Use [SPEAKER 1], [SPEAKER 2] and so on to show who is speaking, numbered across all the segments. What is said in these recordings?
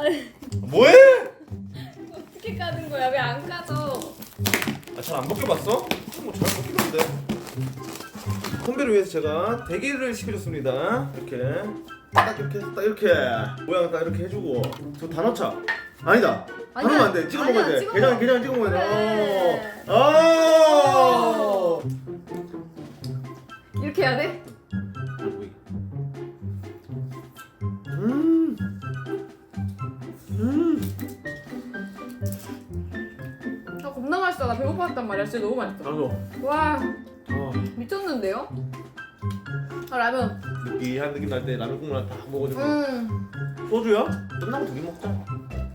[SPEAKER 1] 뭐해?
[SPEAKER 2] 어떻게 까는 거야? 왜 안 까져?
[SPEAKER 1] 아, 잘 안 벗겨봤어? 뭐잘 벗기는데. 선배를 위해서 제가 대게를 시켜줬습니다. 이렇게 딱 이렇게 딱 이렇게 모양 딱 이렇게 해주고. 저 다 넣자. 아니다. 다
[SPEAKER 2] 아니야.
[SPEAKER 1] 넣으면 안 돼. 찍어
[SPEAKER 2] 아니야,
[SPEAKER 1] 먹어야 돼.
[SPEAKER 2] 찍어
[SPEAKER 1] 게장
[SPEAKER 2] 먹어.
[SPEAKER 1] 게장 찍어 먹어야
[SPEAKER 2] 그래.
[SPEAKER 1] 돼. 아.
[SPEAKER 2] 이렇게 해야 돼?
[SPEAKER 1] 음.
[SPEAKER 2] 아 겁나 맛있어. 나 배고팠단 말이야. 진짜 너무 맛있어.
[SPEAKER 1] 나도.
[SPEAKER 2] 와
[SPEAKER 1] 아,
[SPEAKER 2] 미쳤는데요? 아 라면.
[SPEAKER 1] 느끼한 느낌 날 때 라면 국물 다 먹어주고. 소주야? 끝나고 두 개 먹자.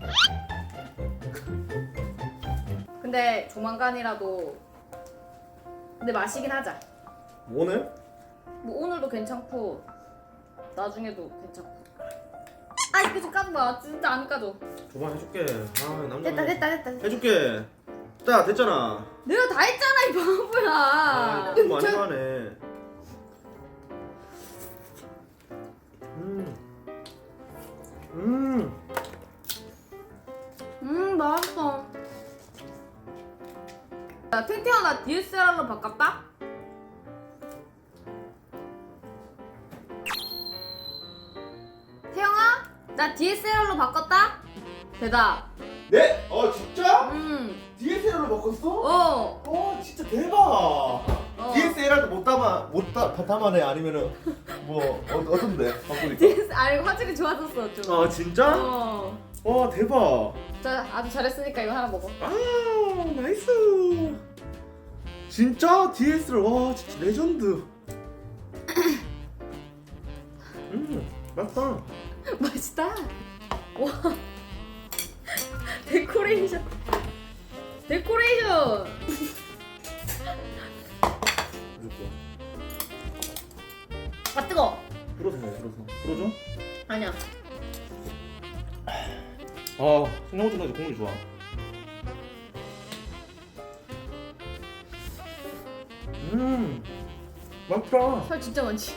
[SPEAKER 2] 근데 조만간이라도 근데 마시긴 하자.
[SPEAKER 1] 오늘?
[SPEAKER 2] 뭐 오늘도 괜찮고 나중에도 괜찮고. 아 이거 좀 까지 마. 진짜 안 까져.
[SPEAKER 1] 줘봐 해줄게. 아 남자.
[SPEAKER 2] 됐다.
[SPEAKER 1] 해줄게. 자 됐잖아.
[SPEAKER 2] 내가 다 했잖아 이 바보야.
[SPEAKER 1] 아, 너무 많이 가네.
[SPEAKER 2] 맛있어. 야 탱탱아 나 DSLR로 바꿨다? 태영아 나 DSLR로 바꿨다? 대답.
[SPEAKER 1] 네? 진짜?
[SPEAKER 2] 음.
[SPEAKER 1] DSLR로 바꿨어?
[SPEAKER 2] 어.
[SPEAKER 1] 진짜 대박. DSLR도 못 담아내 아니면은 뭐 어떤데 바꾸니까?
[SPEAKER 2] DS 아니 화질이 좋아졌어 좀.
[SPEAKER 1] 아 진짜? 와 대박.
[SPEAKER 2] 자 아주 잘했으니까 이거 하나 먹어.
[SPEAKER 1] 아 나이스. 진짜 DSLR 와 진짜 레전드. 맛있다.
[SPEAKER 2] 맛있다. 와. 데코레이션. 아 뜨거.
[SPEAKER 1] 불어서 먹어 불어줘?
[SPEAKER 2] 아니야.
[SPEAKER 1] 아 생각보다 국물이 좋아. 맛있다.
[SPEAKER 2] 살 진짜 많지.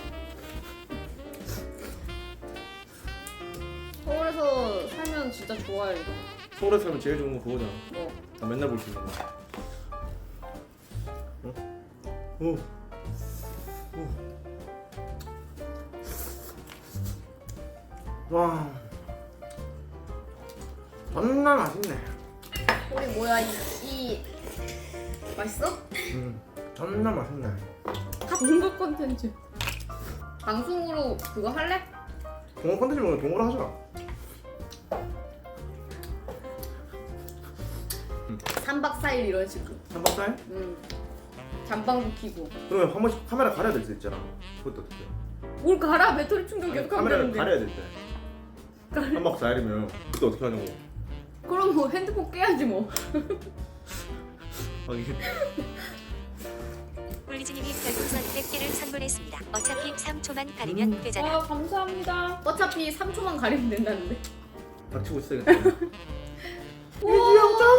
[SPEAKER 2] 서울에서 살면 진짜 좋아요 이거.
[SPEAKER 1] 서울에 살면 제일 좋은 거 그거잖아.
[SPEAKER 2] 뭐.
[SPEAKER 1] 나 맨날 볼 수 있는 거. 오. 와. 존나 맛있네.
[SPEAKER 2] 우리 뭐야 이 맛있어?
[SPEAKER 1] 존나 맛있네.
[SPEAKER 2] 다 동굴 콘텐츠. 방송으로 그거 할래?
[SPEAKER 1] 동호 컨텐츠 먹으면 동호를 하자.
[SPEAKER 2] 3박 4일 이런 식으로.
[SPEAKER 1] 삼박살?
[SPEAKER 2] 잠방도 키고.
[SPEAKER 1] 그러면 한 번씩 카메라 가려야 될 수 있잖아. 그것도 어떻게?
[SPEAKER 2] 뭘 갈아? 배터리 충전 계속 하면
[SPEAKER 1] 카메라를
[SPEAKER 2] 되는데.
[SPEAKER 1] 가려야 될 때. 삼박살이면 그때 어떻게 하냐고.
[SPEAKER 2] 그럼 뭐 핸드폰 깨야지 뭐.
[SPEAKER 1] 하긴.
[SPEAKER 3] 꿀리즈님이 별풍선 100개를 선물했습니다. 어차피 3초만 가리면 되잖아.
[SPEAKER 2] 아 감사합니다. 어차피 3초만 가리면 된다는데.
[SPEAKER 1] 닥치고 있어야겠다.
[SPEAKER 2] 우와.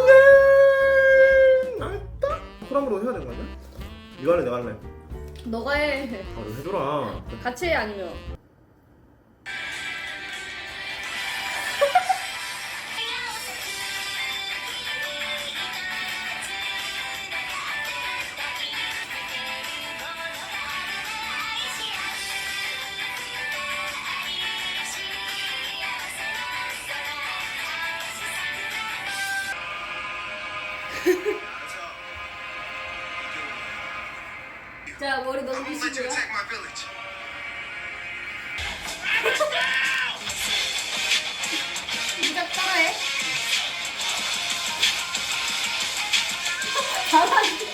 [SPEAKER 1] 영장님 나왔다. 호랑으로 해야 되는 거 아니야? 이거 할래 내가 할래.
[SPEAKER 2] 너가 해.
[SPEAKER 1] 아 이거 해줘라.
[SPEAKER 2] 같이 해 아니면. 자 머리 넘기시고요. 진짜 따라해. 잘하지.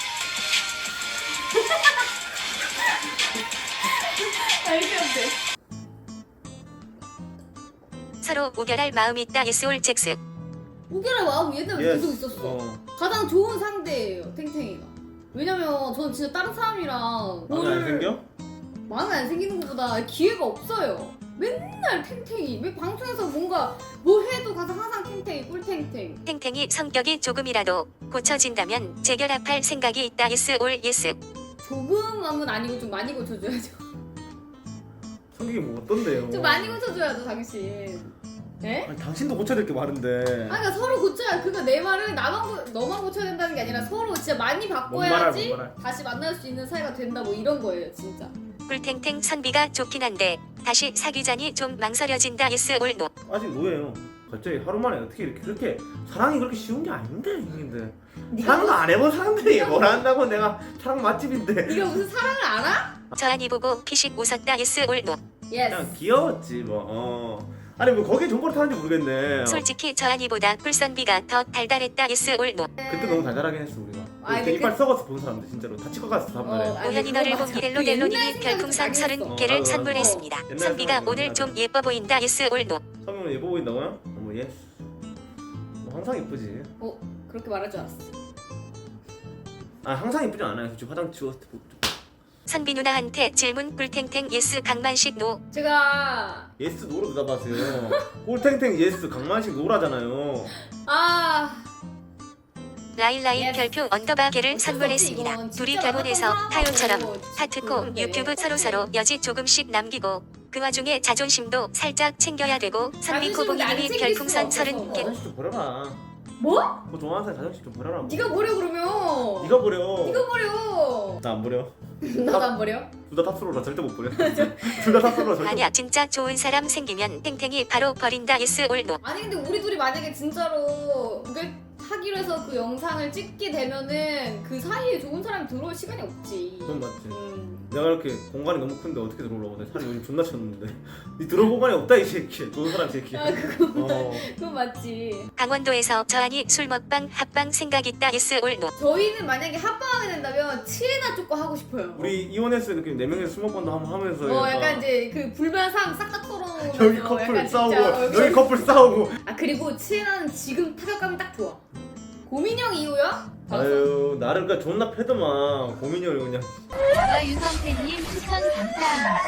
[SPEAKER 2] 알게 안 돼.
[SPEAKER 3] 서로 우결할 마음이 있다. 예스올 잭스.
[SPEAKER 2] 우결의 마음 얘는
[SPEAKER 1] Yes.
[SPEAKER 2] 계속 있었어. 가장 좋은 상대예요 탱탱이가. 왜냐면 저는 진짜 다른 사람이랑
[SPEAKER 1] 마음에 안 생겨?
[SPEAKER 2] 마음에 안 생기는 것보다 기회가 없어요. 맨날 탱탱이. 왜 방송에서 뭔가 뭐 해도 가서 항상 탱탱이 꿀탱탱.
[SPEAKER 3] 탱탱이 성격이 조금이라도 고쳐진다면 재결합할 생각이 있다. 예스올 예스.
[SPEAKER 2] 조금은 아니고 좀 많이 고쳐줘야죠.
[SPEAKER 1] 성격이 뭐 어떤데요?
[SPEAKER 2] 좀 많이 고쳐줘야죠 당신. 에?
[SPEAKER 1] 아니 당신도 고쳐야 될 게 많은데.
[SPEAKER 2] 그러니까 서로 고쳐야 그니까 내 말은 너만 고쳐야 된다는 게 아니라 서로 진짜 많이 바꿔야지
[SPEAKER 1] 뭔 말.
[SPEAKER 2] 다시 만날 수 있는 사이가 된다 뭐 이런 거예요 진짜.
[SPEAKER 3] 꿀탱탱 선비가 좋긴 한데 다시 사귀자니 좀 망설여진다. yes or no.
[SPEAKER 1] 아직 노예요. 갑자기 하루 만에 어떻게 이렇게 그렇게 사랑이 그렇게 쉬운 게 아닌데 형님들.
[SPEAKER 2] 네가
[SPEAKER 1] 사랑도 안 해본 사람들이
[SPEAKER 2] 네가
[SPEAKER 1] 뭘 한다고 내가 사랑 맛집인데.
[SPEAKER 2] 네가 무슨 사랑을 알아?
[SPEAKER 3] 저한이 보고 피식 웃었다. yes or no.
[SPEAKER 2] 예스.
[SPEAKER 1] 그냥 귀여웠지 뭐. 아니 뭐 거기에 정보를 타는지 모르겠네.
[SPEAKER 3] 솔직히 저한이보다 꿀선비가 더 달달했다. yes or no.
[SPEAKER 1] 그때 너무 달달하긴 했어 우리가.
[SPEAKER 2] 아니,
[SPEAKER 1] 그때
[SPEAKER 2] 그-
[SPEAKER 1] 이빨 썩어서 본 사람들 진짜로 다 치과갔어 다음날에.
[SPEAKER 2] 아니,
[SPEAKER 3] 우연히
[SPEAKER 2] 그거
[SPEAKER 3] 너를
[SPEAKER 2] 맞아.
[SPEAKER 3] 본
[SPEAKER 2] 그
[SPEAKER 3] 델로델로님이
[SPEAKER 2] 옛날
[SPEAKER 3] 별풍선
[SPEAKER 2] 생각이
[SPEAKER 3] 30개를
[SPEAKER 1] 나겠어.
[SPEAKER 3] 선물했습니다.
[SPEAKER 1] 옛날
[SPEAKER 3] 선비가
[SPEAKER 1] 생각이
[SPEAKER 3] 오늘
[SPEAKER 1] 나네.
[SPEAKER 3] 좀 예뻐 보인다. yes or no.
[SPEAKER 1] 성형은 예뻐 보인다고요? 어머 예스. 뭐 항상 예쁘지.
[SPEAKER 2] 그렇게 말할 줄 알았어.
[SPEAKER 1] 아 항상 예쁘지 않아요. 솔직히 화장 지웠을 때 보고.
[SPEAKER 3] 선비 누나한테 질문. 꿀탱탱 yes 강만식 no.
[SPEAKER 2] 제가
[SPEAKER 1] 예스 노로 대답하세요. 꿀탱탱 예스 강만식 노라잖아요.
[SPEAKER 2] 아
[SPEAKER 3] 라일라이
[SPEAKER 2] Yes.
[SPEAKER 3] 별표 언더바 개를
[SPEAKER 2] 어쩔 수 없지,
[SPEAKER 3] 선물했습니다.
[SPEAKER 2] 이건.
[SPEAKER 3] 둘이
[SPEAKER 2] 진짜
[SPEAKER 3] 결혼해서
[SPEAKER 2] 만났던
[SPEAKER 3] 타요처럼
[SPEAKER 2] 사람하고
[SPEAKER 3] 하트코
[SPEAKER 2] 그런데.
[SPEAKER 3] 유튜브 서로서로 여지 조금씩 남기고 그 와중에 자존심도 살짝 챙겨야 되고 선비
[SPEAKER 2] 자존심은 안
[SPEAKER 3] 코봉이님이
[SPEAKER 2] 챙길
[SPEAKER 3] 별풍선
[SPEAKER 2] 수가 없어서.
[SPEAKER 3] 30개.
[SPEAKER 1] 자존심 좀 버려라.
[SPEAKER 2] 뭐?
[SPEAKER 1] 뭐 좋아하는 사람 자존심 좀 버려라.
[SPEAKER 2] 네가 버려 그러면.
[SPEAKER 1] 네가 버려.
[SPEAKER 2] 네가 버려.
[SPEAKER 1] 나 안 버려.
[SPEAKER 2] 나도 안 버려.
[SPEAKER 1] 둘 다 탑스로라 절대 못 버려. 둘 다 탑스로라 절대.
[SPEAKER 3] 아니야 진짜 좋은 사람 생기면 탱탱이 바로 버린다. yes or no.
[SPEAKER 2] 아니 근데 우리 둘이 만약에 진짜로 그게 하기로 해서 그 영상을 찍게 되면은 그 사이에 좋은 사람이 들어올 시간이 없지.
[SPEAKER 1] 그건 맞지.
[SPEAKER 2] 음.
[SPEAKER 1] 내가 이렇게 공간이 너무 큰데 어떻게 들어오려고 내 살이 요즘 존나 쳤는데 니 들어올 공간이 없다 이 새끼. 좋은 사람 새끼.
[SPEAKER 2] 아 그거
[SPEAKER 1] 어.
[SPEAKER 2] 그건 맞지.
[SPEAKER 3] 강원도에서 저한이 술 먹방 합방 생각 있다. yes or no.
[SPEAKER 2] 저희는 만약에 합방하게 된다면 치에나 쪼꼬 하고 싶어요.
[SPEAKER 1] 우리 이혼했을 때 네 명이서 술 먹방도 한번 하면서
[SPEAKER 2] 약간 이제 그 불만상 싹 다 털어놓으면서
[SPEAKER 1] 여기 커플
[SPEAKER 2] 약간
[SPEAKER 1] 싸우고
[SPEAKER 2] 진짜
[SPEAKER 1] 여기 커플 싸우고.
[SPEAKER 2] 아 그리고 치에나는 지금 타격감이 딱 좋아. 고민형 이후야?
[SPEAKER 1] 아유 나를 그냥 존나 패더만 고민이 형 그냥.
[SPEAKER 4] 유성태님 추천 감사합니다.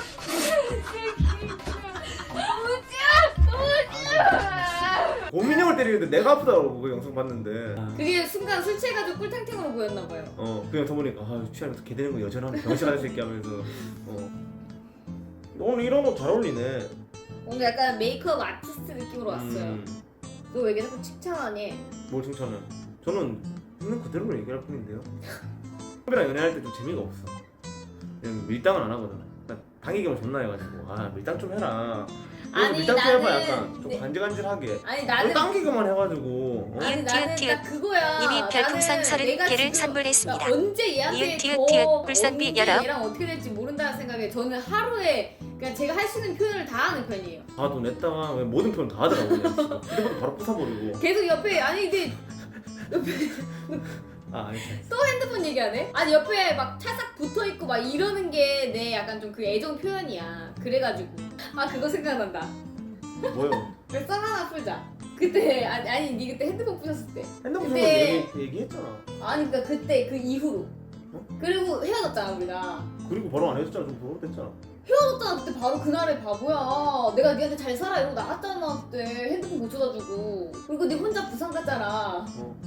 [SPEAKER 1] 고민이 형을 때리는데 내가 아프다고 그 영상 봤는데.
[SPEAKER 2] 그게 순간 술 취해가지고 꿀탱탱으로 보였나 봐요.
[SPEAKER 1] 그냥 더 보니까 아 취하면서 개 되는 거 여전하네 병신 같은 새끼 하면서. 오늘 이런 옷 잘 어울리네.
[SPEAKER 2] 뭔가 약간 메이크업 아티스트 느낌으로 왔어요. 너 왜 계속 칭찬하니?
[SPEAKER 1] 뭘 칭찬해? 저는 있는 그대로 얘기할 뿐인데요. 형이랑 연애할 때 좀 재미가 없어. 그냥 밀당은 안 하거든. 그러니까 당기기만 존나 해가지고 아 밀당 좀 해라.
[SPEAKER 2] 아니,
[SPEAKER 1] 밀당 좀 해봐
[SPEAKER 2] 나는-
[SPEAKER 1] 약간 좀
[SPEAKER 2] 네.
[SPEAKER 1] 간질간질하게.
[SPEAKER 2] 아니
[SPEAKER 1] 뭘
[SPEAKER 2] 나는
[SPEAKER 1] 당기기만 해가지고.
[SPEAKER 2] 아니
[SPEAKER 3] 이응,
[SPEAKER 2] 나는
[SPEAKER 3] 티읕,
[SPEAKER 2] 딱 그거야.
[SPEAKER 3] 이미 별풍선
[SPEAKER 2] 나는
[SPEAKER 3] 30개를
[SPEAKER 2] 내가 지금
[SPEAKER 3] 선물했습니다.
[SPEAKER 2] 그러니까 언제 얘한테
[SPEAKER 3] 이응, 티읕, 꿀선비
[SPEAKER 2] 언제
[SPEAKER 3] 열어.
[SPEAKER 2] 얘랑 어떻게 될지 모른다는 생각에 저는 하루에 그냥 제가 할 수 있는 표현을 다 하는 편이에요.
[SPEAKER 1] 아너 냈다가 왜 모든 표현 다 하더라고 그냥. 휴대폰 바로 부숴버리고.
[SPEAKER 2] 계속 옆에 아니 근데
[SPEAKER 1] 아 아니.
[SPEAKER 2] 핸드폰 얘기하네? 아니 옆에 막 찰싹 붙어있고 막 이러는 게 내 약간 좀 그 애정 표현이야. 그래가지고 아 그거 생각난다.
[SPEAKER 1] 뭐요?
[SPEAKER 2] 그 썰 하나 풀자. 그때 아니 니 그때 핸드폰 부셨을 때
[SPEAKER 1] 핸드폰
[SPEAKER 2] 근데-
[SPEAKER 1] 좀 얘기했잖아.
[SPEAKER 2] 아니 그니까 그때 그 이후로
[SPEAKER 1] 어?
[SPEAKER 2] 그리고 헤어졌잖아 우리가.
[SPEAKER 1] 그리고 바로 안 해줬잖아. 좀 부러웠댔잖아.
[SPEAKER 2] 헤어졌잖아 그때 바로 그날에 바보야. 내가 니한테 잘 살아 이러고 나갔잖아 그때 핸드폰 고쳐다 주고. 그리고 니 혼자 부산 갔잖아.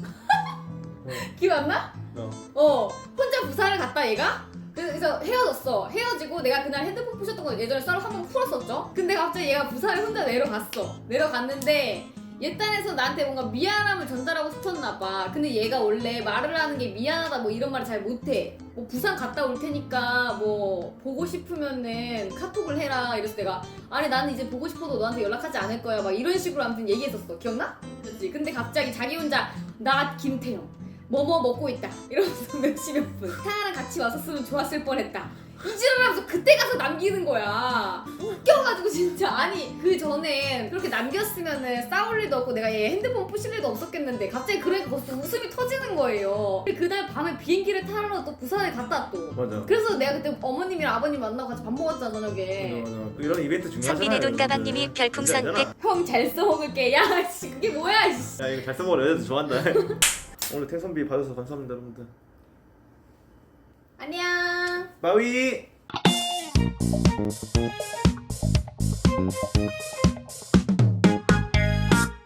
[SPEAKER 2] 기억 안 나? 혼자 부산을 갔다 얘가? 그래서 헤어졌어. 헤어지고 내가 그날 핸드폰 부셨던 거 예전에 썰을 한번 풀었었죠? 근데 갑자기 얘가 부산에 혼자 내려갔어. 내려갔는데 얘 딴에서 나한테 뭔가 미안함을 전달하고 싶었나 봐. 근데 얘가 원래 말을 하는 게 미안하다 뭐 이런 말을 잘 못해. 뭐 부산 갔다 올 테니까 뭐 보고 싶으면은 카톡을 해라. 이래서 내가 아니 나는 이제 보고 싶어도 너한테 연락하지 않을 거야. 막 이런 식으로 아무튼 얘기했었어. 기억나? 그렇지. 근데 갑자기 자기 혼자 나 김태형 뭐뭐 먹고 있다 이러면서 몇십몇 분 태아랑 같이 왔었으면 좋았을 뻔했다 이 지랄하면서 그때 가서 남기는 거야. 웃겨가지고 진짜. 아니 그 전에 그렇게 남겼으면은 싸울 일도 없고 내가 얘 핸드폰 부실 일도 없었겠는데 갑자기 그러니까 거기서 웃음이 터지는 거예요. 그날 밤에 비행기를 타러 또 부산에 갔다 또.
[SPEAKER 1] 맞아.
[SPEAKER 2] 그래서 내가 그때 어머님이랑 아버님 만나고 같이 밥 먹었잖아 저녁에.
[SPEAKER 1] 맞아. 이런 이벤트 중요하잖아요.
[SPEAKER 3] 선비네 돈 가방님이 별풍선 100.
[SPEAKER 2] 형 잘 써먹을게. 야 씨 그게 뭐야 씨.
[SPEAKER 1] 야 이거 잘 써먹어. 여자들 좋아한다. 오늘 탱선비 받아서 감사합니다 여러분들.
[SPEAKER 2] 안녕.
[SPEAKER 1] 바위.